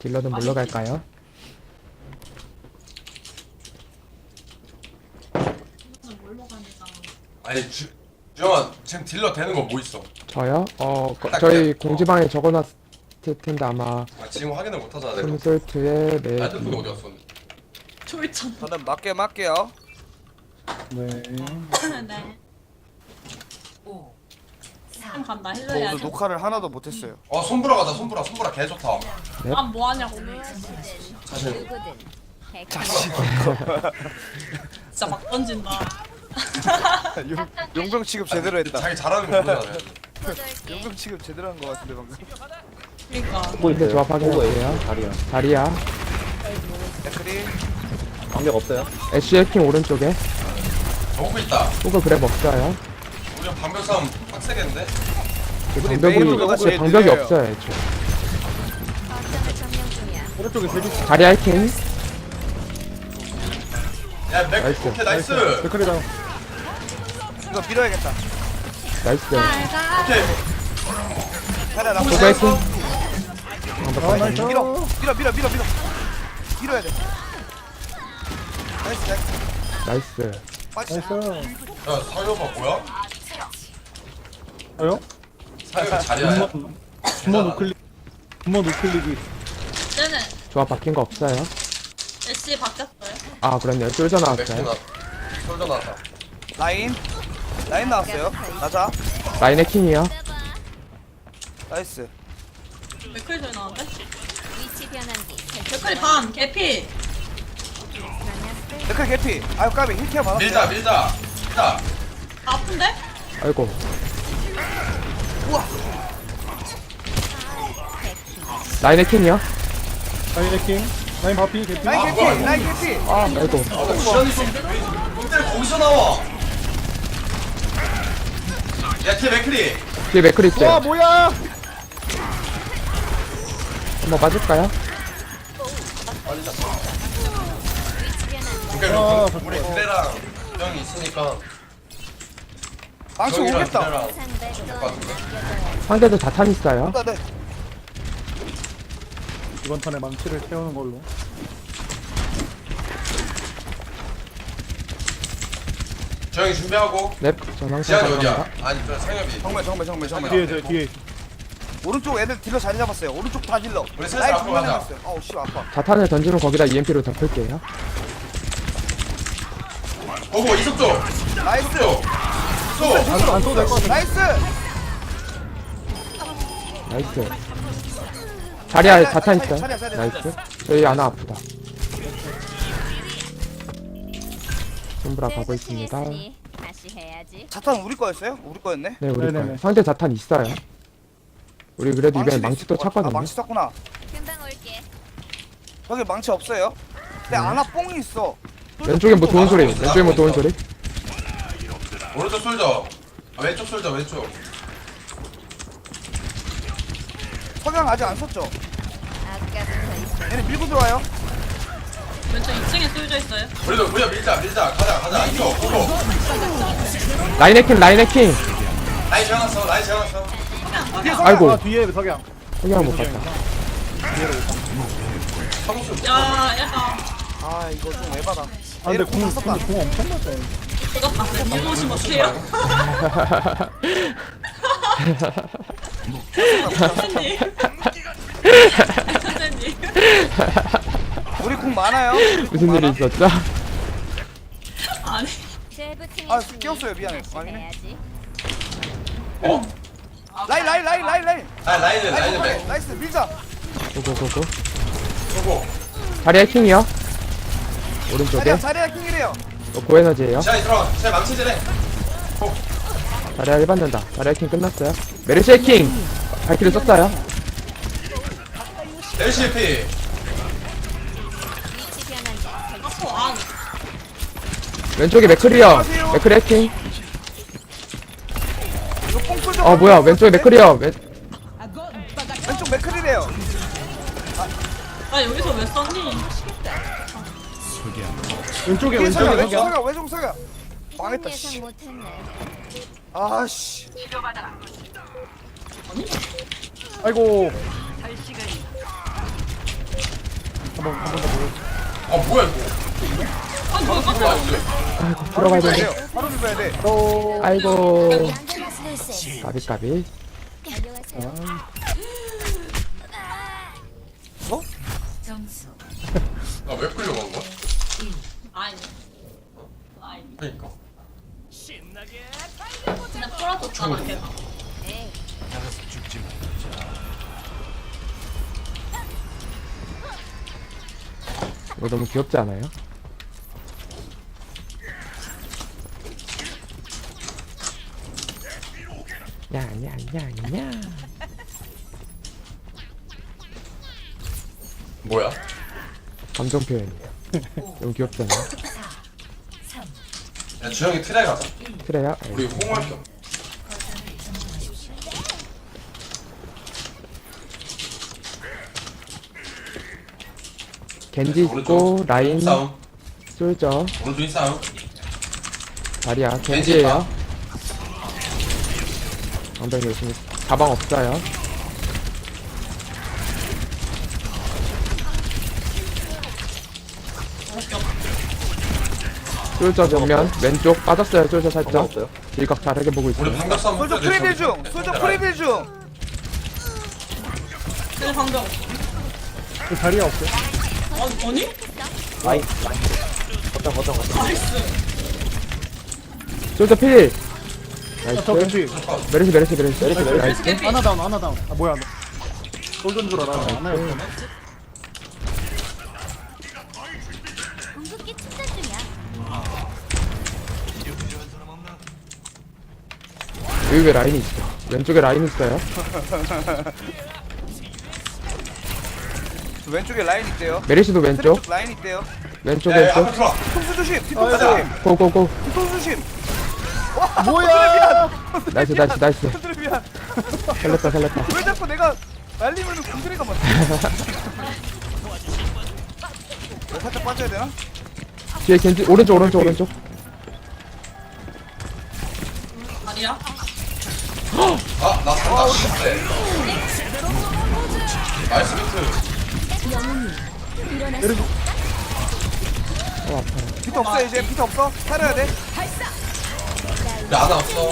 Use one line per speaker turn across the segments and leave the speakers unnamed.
딜러는 물러갈까요?
아니 주영아 지금 딜러 되는 거 뭐 있어?
저요?
딱
저희
그래.
공지방에 적어놨을 텐데 아마
아, 지금 확인을 못 하잖아 내가.
콘솔트의
핸드폰
맵
어디 갔어?
졸전.
저는 맞게요.
네.
네.
5, 4,
좀 간다. 힐러
저 오늘
해야지.
녹화를 하나도 못했어요.
손보라 가자. 손보라 개 좋다.
아, 뭐 하냐고.
자신.
진짜 막 던진다.
용병 취급 제대로 했다.
자기 잘하는 거 모르잖아.
용병 취급 제대로 한 거 같은데 방금.
그러니까.
근데 조합 확인할게요.
다리야.
다리야
댓글이
방벽 없어요?
애쉬 해킹 오른쪽에
오고 있다.
호그 그랩 없어요.
우리 방벽 싸움 빡세겠는데?
우리 메인 로더가 제일
방벽이
느려요.
없어요 애초에.
오른쪽에 세줄
다리 해킹
야 맥.
나이스.
오케이 나이스.
댓글이랑
이거 밀어야겠다.
나이스.
오케이.
하나 나
호그
나이스.
해킹
아 나이스.
밀어. 밀어야 돼. 나이스.
나이스.
빠지.
나이스.
야 사유가 뭐야?
아요?
사유가 자리야.
분모 노클릭. 분모 노클릭이.
쟤는
조합 바뀐 거 없어요.
애쉬 바뀌었어요.
아 그렇네요. 쫄져
맥주
나왔어요.
나. 솔져 나왔다.
라인 나왔어요. 나자.
라인 해킹이요.
나이스.
맥클 소리 나는데?
위치 변환기
맥클이 반, 개피.
댓글 개피. 아유 까비 힐케어 받았어요.
밀자.
아픈데?
아이고.
우와.
라인 해킹이요.
라인 해킹. 라인 바피 개피.
라인
뭐야,
개피.
이거.
라인 개피.
아 아이고.
시간이 좀. 근데 거기서 나와. 야 뒤에 맥크리.
뒤에 맥클
와
있어요.
뭐야?
한번 맞을까요?
그러니까 우리 그래랑 형이 있으니까.
망치
형이랑
오겠다.
그래랑 될것 같은데.
상대도 자탄 있어요.
네.
이번 턴에 망치를 채우는 걸로.
조용히 준비하고.
넵. 전황
지한이 어디야?
감사합니다.
아니 저 상엽이.
정면.
뒤에 저 뒤에.
오른쪽 애들 딜러 자리 잡았어요. 오른쪽 다 딜러.
우리 슬슬
라인
앞으로 가자.
정면에 있어요. 어우 씨 아파.
자탄을 던지면 거기다 EMP로 덮을게요.
오고 이석조.
나이스.
이석조.
안 써도 될 것 같아.
나이스.
나이스. 자리야 자탄 있어요.
자리야.
나이스. 저희 아나 아프다. 손브라 가고 있습니다.
다시 해야지.
자탄 우리 거였어요? 우리 거였네.
네 우리
네네네.
거예요. 상대 자탄 있어요. 우리 그래도 이번에
망치도
망치 또
있을 것 같아.
찼거든요.
아, 망치 찼구나.
금방 올게.
저기 망치 없어요. 근데 아나 뽕이 있어.
왼쪽에 뭐 좋은 소리. 왼쪽에 뭐 좋은 소리.
오른쪽 솔져. 아, 왼쪽 솔져 왼쪽.
석양 아직 안 썼죠?
아까부터 있어.
얘네 밀고 들어와요.
왼쪽 2층에 쏠져 있어요.
우리가 밀자. 가자. 이거 오고.
라인 해킹 라인 해킹.
라인 재워놨어.
아이고.
아 뒤에 석양.
그냥 못 봤다.
야, 약간.
아 이거 좀 에바다.
아 근데
얘네 공 썼다.
공 엄청 맞아.
이거 봤어요. 밀보시 어때요? 선생님. 선생님.
우리 공 많아요. 우리 공
무슨 일이
많아.
있었죠?
아니.
아 끼웠어요 미안해. 아니네.
해야지.
라인.
라인은 맥.
나이스 밀자.
고고고고.
오고.
자리 해킹이요. 오른쪽에.
자리야 킹이래요.
고에너지예요.
지한이 들어가. 제 망치질해.
자리야 1받는다. 자리 해킹 끝났어요. 메르시 해킹. 발키를 썼어요.
LCP.
위치 변환기 설치.
안.
왼쪽에 맥크리어. 맥크리 해킹.
이거 뽕 쏠져.
뭐야 왼쪽에 맥크리어.
왼쪽 맥클이래요.
아, 여기서 왜 썼니?
왼쪽에
뒤에 석양
왼쪽에 석양.
왼쪽 석양. 망했다
예상
씨.
못했네.
아씨.
아이고.
아 뭐야 이거.
아니 뭐야 깜짝이야.
나이스.
아이고 들어가야 되는데.
돼요. 바로 밀어야 돼.
아이고 까비.
안녕하세요.
나왜 끌려간 거야?
아니. 아니.
그니까.
그냥 풀어줬잖아 걔가.
네.
이거 너무 귀엽지 않아요? 야야야야.
뭐야?
감정 표현이에요. 너무 귀엽잖아요.
야 주영이 트레 가자.
그래요?
우리 홍할 겸.
겐지 있고 라인
싸움.
쏠죠.
오른쪽 싸움.
다리야
겐지
겐지예요. 엉덩이 열심히. 가방 없어요. 쏠져 정면 왼쪽 빠졌어요. 쏠져 살짝. 일각 잘하게 보고
우리
있어요.
방벽 싸움.
솔저 프리빌 중. 솔저 프리빌 중.
근데 방금.
그 자리가 없어요.
아니? 나이스.
쏠져 필.
저
나이스.
겐지.
메르시. 나이스.
하나 다운. 아 뭐야? 솔전 줄 알아. 하나였어.
궁극기 충전 중이야.
여기 왜 라인이 있어? 왼쪽에 라인 있어요.
왼쪽에 라인 있대요.
메르시도 왼쪽.
왼쪽 라인 있대요.
왼쪽
야 앞에
왼쪽.
들어와.
뒤통수 조심. 뒤통수
가자.
조심.
고고고.
뒤통수 조심.
뭐야?
나이스.
형들 미안.
살렸다.
왜 자꾸 내가 날리면은 공들이가 맞지? 살짝 빠져야 되나?
뒤에 겐지 오른쪽.
아니야?
아나 산다. 네. 나이스 비트.
비트 없어 이제 비트 없어. 살아야 돼.
야 하나 없어.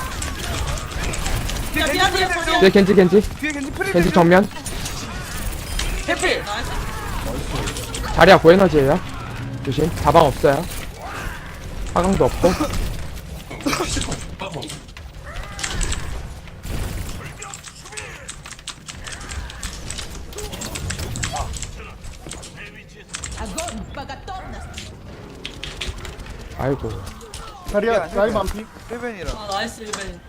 뒤에
야
겐지
미안
프리빌 중.
뒤에 겐지.
뒤에 겐지 프리빌
겐지
중.
정면.
해피.
다리야 고에너지예요. 조심. 가방 없어요. 화강도 없고. 아이고.
자리야 라인 반피.
힐벤이라.
아 나이스 일벤.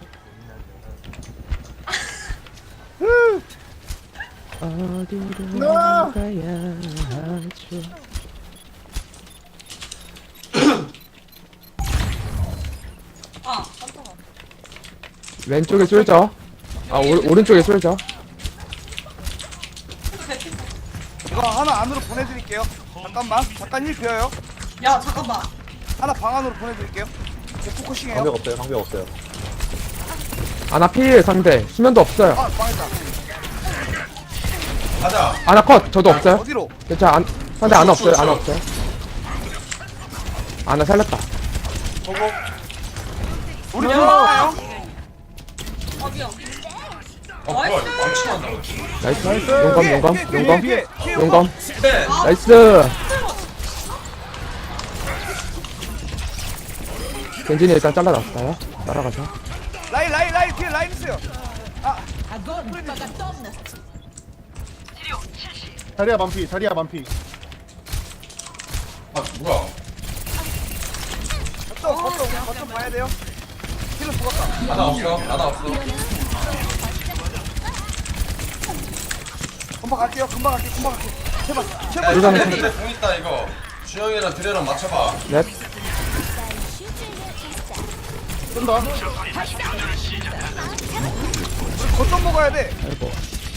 어디로
나!
가야 하죠?
아 깜짝아.
왼쪽에 쏠죠. 오른쪽에 쏠죠.
이거 하나 안으로 보내드릴게요. 잠깐 힐 비어요.
야 잠깐만.
하나 방 안으로 보내드릴게요. 이제 포커싱해요.
방벽 없어요.
아나 필 상대. 수면도 없어요.
아 망했다.
가자.
아나 컷. 저도 없어요.
어디로?
괜찮아. 상대 아나 없어요. 아나 없어요. 아나 살렸다.
우리 팀 막아요.
아 미안.
뭐야 이거 망치한다.
나이스. 용검.
뒤에.
용검.
네.
나이스. 겐진이 일단 잘라놨어요. 따라가서.
라인 뒤에 라인 있어요.
자리야 반피.
아 뭐야?
거점 봐야 돼요. 힐러 죽었다.
하나 없어.
금방 갈게요. 제발.
야
이거는
이거 근데 공 있다 이거. 주영이랑 드레랑 맞춰봐.
넷.
쏜다.
거점 먹어야 돼.
아이고.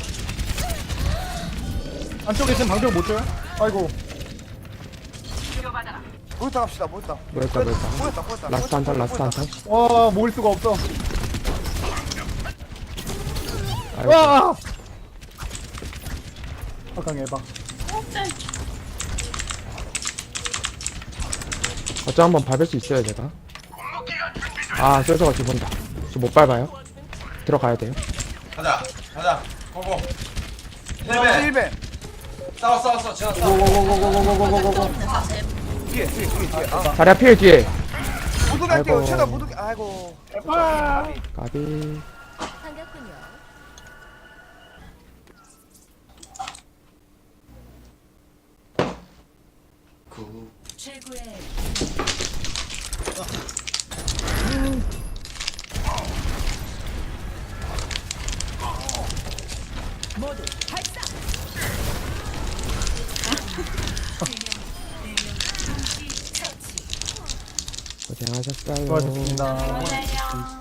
안쪽에 지금 방벽 못 줘요? 아이고.
모였다 갑시다. 모였다.
뭐였다. 라스트 한 턴.
와 모을 수가 없어.
아이고.
와. 아강 해봐.
어쩜 한번 밟을 수 있어요 제가. 아 쏠저가 죽은다. 저 못 밟아요. 들어가야 돼요.
가자 가자 고고 힐벤
1벤
싸워 제가 싸워
네, 사실.
뒤에 아
자리야 필 뒤에.
못 오게 할게요
아이고.
최대한 못 오게 아이고
까비.
반갑군요.
고생하셨어요.
수고하셨습니다.
안녕하세요.